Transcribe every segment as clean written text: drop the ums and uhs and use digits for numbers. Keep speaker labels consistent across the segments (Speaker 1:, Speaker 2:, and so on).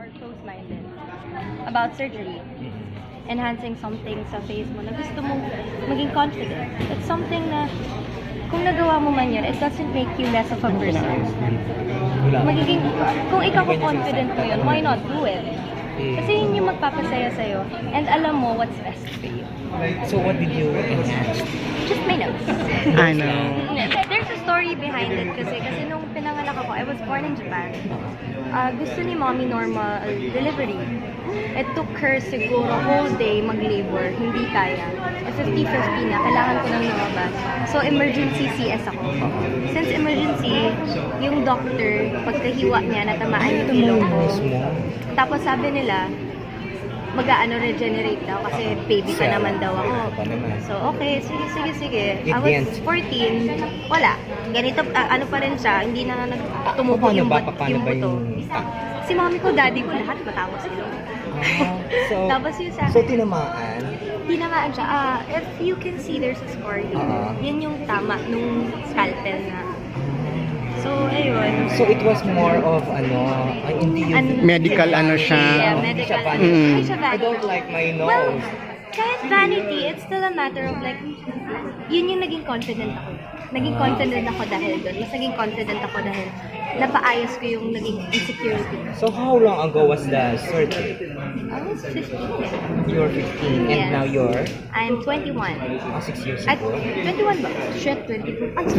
Speaker 1: or close-minded about surgery. Enhancing something sa face mo na gusto mong maging confident. It's something na kung nagawa mo man yun, it doesn't make you less of a person. Magiging, kung ikaw confident mo yun, why not do it? Kasi yun yung magpapasaya sa'yo and alam mo what's best for you.
Speaker 2: So what did you enhance?
Speaker 1: Just my nose.
Speaker 3: I know.
Speaker 1: There's a story behind it kasi nung pinanganak ako, I was born in Japan. Gusto ni mommy normal delivery. It took her siguro whole day mag-labor, hindi kaya. 50-50 na, kailangan ko nang lumabas. So emergency CS ako. Since emergency, yung doctor, pagkahiwa niya, natamaan yung ilong ko. Tapos sabi nila, regenerate daw kasi baby pa naman daw ako. So, okay, sige. I was 14, wala. Ganito, ano pa rin siya, hindi na tumubo yung buto. Si mommy ko, daddy ko, lahat matapos ilong. Tapos yun sa
Speaker 2: So, tinamaan?
Speaker 1: Tinamaan siya. If you can see, there's a scar here. Yan yung tama nung scalpel na. So, ayun.
Speaker 2: So, it was more of, hindi yung...
Speaker 3: Medical siya.
Speaker 1: Yeah, medical.
Speaker 2: I don't like my nose.
Speaker 1: Well, kahit vanity, it's still a matter of like, yun yung naging confident ako. Naging confident ako dahil doon. Mas naging confident ako dahil napaayos ko yung naging insecurity.
Speaker 2: So, how long ago was the surgery?
Speaker 1: I was 15.
Speaker 2: You were 15 and
Speaker 1: Yes.
Speaker 2: now you're?
Speaker 1: I'm 21.
Speaker 2: 6 years
Speaker 1: At
Speaker 2: ago.
Speaker 1: 21 ba? Shit, 22. Ang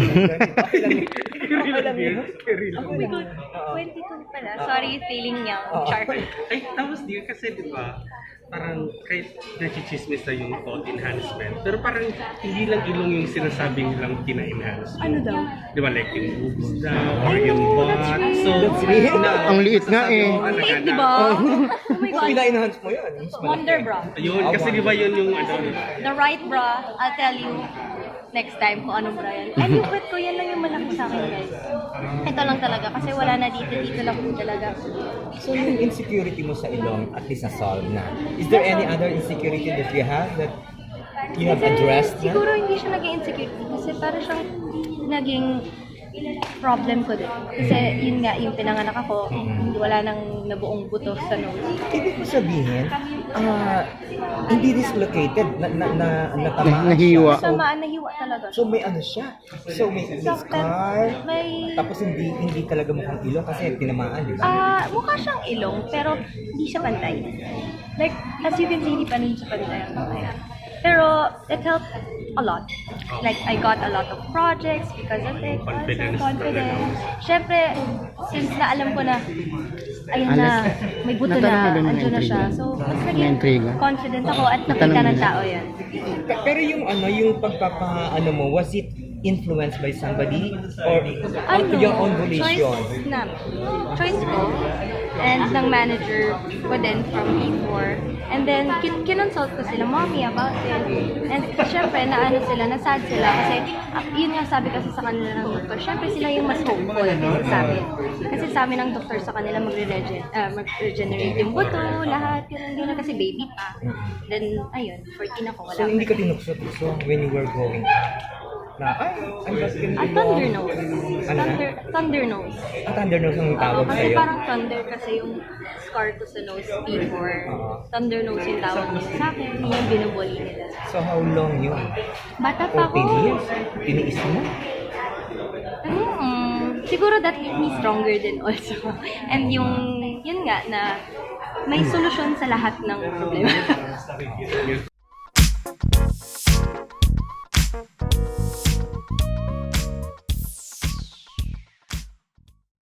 Speaker 1: Oh my God, 22 pala. Sorry, feeling young. Char.
Speaker 4: Ay, tapos di kasi di ba, parang kahit nachichismis na yung thought enhancement, pero parang hindi lang ilong yung sinasabi nilang tina-enhance.
Speaker 1: Ano daw?
Speaker 4: Di ba, like yung boobs daw, or
Speaker 1: I
Speaker 4: yung
Speaker 1: know,
Speaker 4: butt.
Speaker 1: that's right.
Speaker 4: So,
Speaker 2: That's real.
Speaker 3: Ang liit nga eh.
Speaker 1: Liit, di ba? Oh my God.
Speaker 2: Pina-enhance mo yun.
Speaker 1: Wonder bra.
Speaker 4: Ayun, kasi di ba yun yung ano,
Speaker 1: The right bra, I'll tell you next time kung anong bra yan. And yung kwet ko, yan lang yung malaki sa akin, guys. Ito lang talaga, kasi wala na dito lang po talaga.
Speaker 2: So, yung insecurity mo sa ilong, at least na-solve na. Is there any other insecurity that you have that you have addressed na?
Speaker 1: Siguro hindi siya naging insecurity kasi parang siyang naging problem ko din. Kasi yun nga, yung pinanganak ako, wala nang nabuong buto sa nose.
Speaker 2: Ibig ko sabihin, hindi dislocated, natamaan
Speaker 3: Nahiwa.
Speaker 2: siya.
Speaker 1: Tamaan, nahiwa talaga.
Speaker 2: So, may ano siya. So, may scar.
Speaker 1: May...
Speaker 2: Tapos hindi talaga mukhang ilong kasi tinamaan, di ba?
Speaker 1: mukha siyang ilong, pero hindi siya pantay. Like, as you can see, hindi pa rin siya pantay. Pero, it helped a lot. Like, I got a lot of projects because of it. Confidence. Siyempre, since na alam ko na, ayun na, may buto na, andun na siya. So, mas naging confident ako at nakita ng tao yan.
Speaker 2: Pero yung yung pagpapa mo, was it influenced by somebody or your own volition?
Speaker 1: Choice ko and ng manager ko din from before. And then, kinonsult ko sila, mommy, about it. And syempre, nasad sila kasi yun nga sabi kasi sa kanila ng doktor, syempre sila yung mas hopeful sa amin. Kasi sa amin ng doktor sa kanila mag-regenerate yung buto, lahat, yun kasi baby pa. Then, ayun, 14 ako, wala.
Speaker 2: So, hindi ka tinukso when you were going na, I'm just gonna
Speaker 1: thunder nose. Thunder nose.
Speaker 2: Thunder nose ang tawag
Speaker 1: Kasi
Speaker 2: sa'yo.
Speaker 1: parang thunder kasi yung scar ko sa nose before. Thunder nose yung tawag nila sa akin. Yun yung binubuli nila.
Speaker 2: So, how long yun?
Speaker 1: Bata pa
Speaker 2: 14
Speaker 1: ako.
Speaker 2: years? Tiniis mo?
Speaker 1: Siguro that made me stronger din also. And yun nga na may solusyon sa lahat ng problema.